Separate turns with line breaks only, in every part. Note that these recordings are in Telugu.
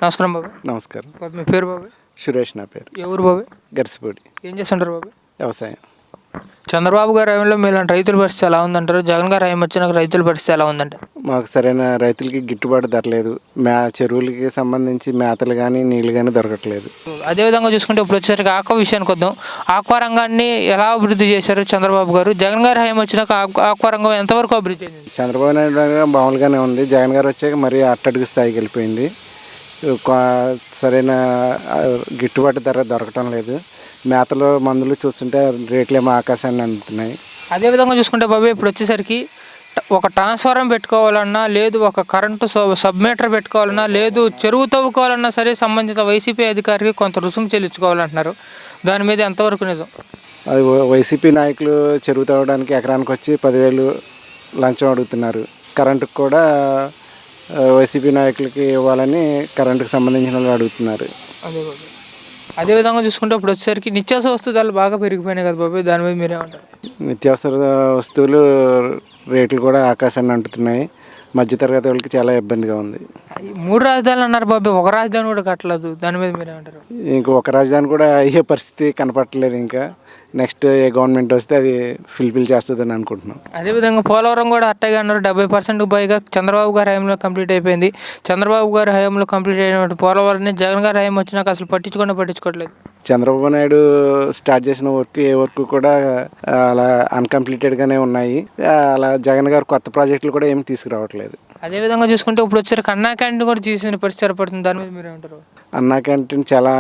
నమస్కారం బాబాయ్.
నమస్కారం.
మీ పేరు బాబాయ్?
సురేష్ నా పేరు.
ఏ ఊరు బాబాయ్?
గరిసిపూడి.
ఏం చేస్తుంటారు బాబాయ్?
వ్యవసాయం.
చంద్రబాబు గారి హయాంలో మీలాంటి రైతుల పరిస్థితి ఎలా ఉందంటారు? జగన్ గారి హయాం వచ్చినాక రైతుల పరిస్థితి ఎలా ఉందంటారు?
మాకు సరైన రైతులకి గిట్టుబాటు ధర లేదు. చెరువులకి సంబంధించి మేతలు కానీ నీళ్ళు కానీ దొరకట్లేదు.
అదేవిధంగా చూసుకుంటే ఇప్పుడు వచ్చేసరికి ఆక్వా విషయానికి వద్దాం. ఆక్వా రంగాన్ని ఎలా అభివృద్ధి చేశారు చంద్రబాబు గారు? జగన్ గారి హయాం వచ్చినాక ఆక్వా రంగం ఎంతవరకు అభివృద్ధి చెందింది?
చంద్రబాబు నాయుడు గారు మామూలుగానే ఉంది. జగన్ గారు వచ్చాక మరీ అట్టడుగు స్థాయికి వెళ్ళిపోయింది. సరైన గిట్టుబాటు ధర దొరకటం లేదు. మేతలు మందులు చూస్తుంటే రేట్లు ఏమో ఆకాశాన్ని అందుతున్నాయి.
అదేవిధంగా చూసుకుంటే బాబాయ్ ఇప్పుడు వచ్చేసరికి ఒక ట్రాన్స్ఫారం పెట్టుకోవాలన్నా, లేదు ఒక కరెంటు సబ్మీటర్ పెట్టుకోవాలన్నా, లేదు చెరువు తవ్వుకోవాలన్నా సరే సంబంధిత వైసీపీ అధికారికి కొంత రుసుము చెల్లించుకోవాలంటున్నారు. దాని మీద ఎంతవరకు నిజం?
అది వైసీపీ నాయకులు చెరువు తవ్వడానికి ఎకరానికి వచ్చి 10,000 లంచం అడుగుతున్నారు. కరెంటుకు కూడా వైసీపీ నాయకులకి ఇవ్వాలని కరెంటుకు సంబంధించిన వాళ్ళు అడుగుతున్నారు.
అదేవిధంగా చూసుకుంటే ఇప్పుడు వచ్చేసరికి నిత్యావసర వస్తువు ధరలు బాగా పెరిగిపోయినాయి కదా బాబాయ్, దాని మీద మీరేమంటారు?
నిత్యావసర వస్తువులు రేట్లు కూడా ఆకాశాన్ని అంటుతున్నాయి. మధ్యతరగతి వాళ్ళకి చాలా ఇబ్బందిగా ఉంది.
3 రాజధానులు అన్నారు బాబాయ్, ఒక రాజధాని కూడా కట్టలేదు. దాని మీద మీరేమంటారు?
ఒక రాజధాని కూడా అయ్యే పరిస్థితి కనపట్టలేదు. ఇంకా నెక్స్ట్ ఏ గవర్నమెంట్ వస్తే అది ఫుల్ఫిల్ చేస్తుందని అనుకుంటున్నాం.
అదేవిధంగా పోలవరం కూడా అట్టగా అన్నారు. 70% పైగా చంద్రబాబు గారి హయాంలో కంప్లీట్ అయిపోయింది. చంద్రబాబు గారి హయాంలో కంప్లీట్ అయినటువంటి పోలవరాన్ని జగన్ గారి హయాం వచ్చినాక అసలు పట్టించుకోవట్లేదు.
చంద్రబాబు నాయుడు స్టార్ట్ చేసిన వర్క్ ఏ వర్క్ కూడా అలా అన్కంప్లీటెడ్గానే ఉన్నాయి. అలా జగన్ గారు కొత్త ప్రాజెక్టులు కూడా ఏమి తీసుకురావట్లేదు.
అదేవిధంగా చూసుకుంటే ఇప్పుడు వచ్చారు అన్నా క్యాంటీన్ కూడా తీసిన పరిస్థితి ఏర్పడుతుంది. దాని మీద మీరేమంటారు?
అన్నా క్యాంటీన్ చాలా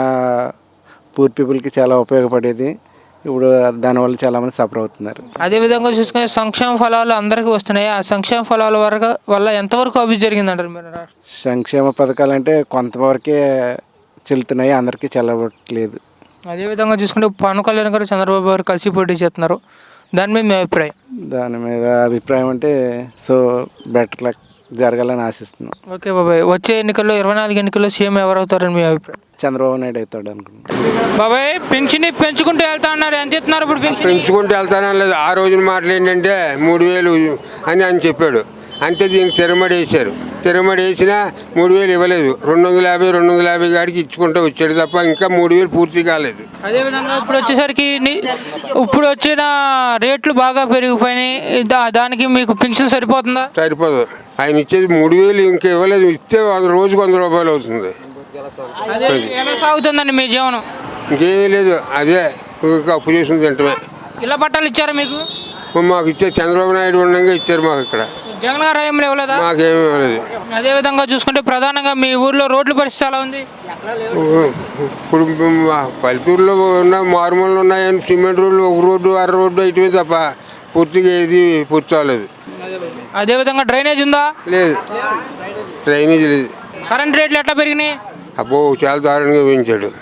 పూర్ పీపుల్కి చాలా ఉపయోగపడేది. ఇప్పుడు దానివల్ల చాలామంది సఫర్ అవుతున్నారు.
అదేవిధంగా చూసుకునే సంక్షేమ ఫలాలు అందరికీ వస్తున్నాయి. ఆ సంక్షేమ ఫలాల వల్ల ఎంతవరకు అభివృద్ధి జరిగిందంటారు మీరు?
సంక్షేమ పథకాలు అంటే కొంతవరకే చెల్లుతున్నాయి, అందరికీ చెల్లవట్లేదు.
అదేవిధంగా చూసుకుంటే పవన్ కళ్యాణ్ గారు చంద్రబాబు గారు కలిసి పోటీ చేస్తున్నారు. దాని మీద మీ అభిప్రాయం?
దాని మీద అభిప్రాయం అంటే బెటర్ లక్ జరగాలని ఆశిస్తున్నాం.
ఓకే బాబాయ్, వచ్చే ఎన్నికల్లో 24 ఎన్నికల్లో సీఎం ఎవరు అవుతారని మీ అభిప్రాయం?
చంద్రబాబు నాయుడు అవుతాడు అనుకుంటున్నాను.
బాబాయ్ పెన్షన్ పెంచుకుంటూ వెళ్తా అన్నారు, ఎంత ఇస్తున్నారు ఇప్పుడు?
పెంచుకుంటూ వెళ్తానని లేదు. ఆ రోజున మాటలు ఏంటంటే 3,000 అని ఆయన చెప్పాడు. అంటే దీనికి తిరమడి వేశారు. తిరమడి వేసినా 3,000 ఇవ్వలేదు. 250 గాడికి ఇచ్చుకుంటూ వచ్చాడు తప్ప ఇంకా 3,000 పూర్తి కాలేదు.
అదేవిధంగా ఇప్పుడు వచ్చేసరికి ఇప్పుడు వచ్చిన రేట్లు బాగా పెరిగిపోయినాయి. దానికి మీకు పెన్షన్ సరిపోతుందా?
సరిపోదు. ఆయన ఇచ్చేది 3,000 ఇంకా ఇవ్వలేదు. ఇస్తే రోజుకు 100 రూపాయలు అవుతుంది.
ఎలా సాగుతుందండి మీ జీవనం?
ఇంకేమీ లేదు. అదే అప్పు చేసిన తింటమే.
ఇళ్ళ పట్టాలు ఇచ్చారా మీకు?
మాకు ఇచ్చే చంద్రబాబు నాయుడు ఉండగా ఇచ్చారు. మాకు ఇక్కడ
జగన్ గారు హయాంలో ఇవ్వలేదా?
మాకేమీ ఇవ్వలేదు.
అదేవిధంగా చూసుకుంటే ప్రధానంగా మీ ఊర్లో రోడ్ల పరిస్థితి ఎలా ఉంది?
ఇప్పుడు పల్లెటూరులో ఉన్న మారుమూలలో ఉన్నాయని సిమెంట్ రోడ్లు, ఒక రోడ్డు 6 రోడ్డు ఇటువే తప్ప పూర్తిగా ఏది పూర్తి అవ్వలేదు.
అదేవిధంగా డ్రైనేజ్ ఉందా?
లేదు, డ్రైనేజ్ లేదు.
కరెంట్ రేట్లు ఎట్లా పెరిగినాయి?
అబ్బో చాలా దారుణంగా పెంచాడు.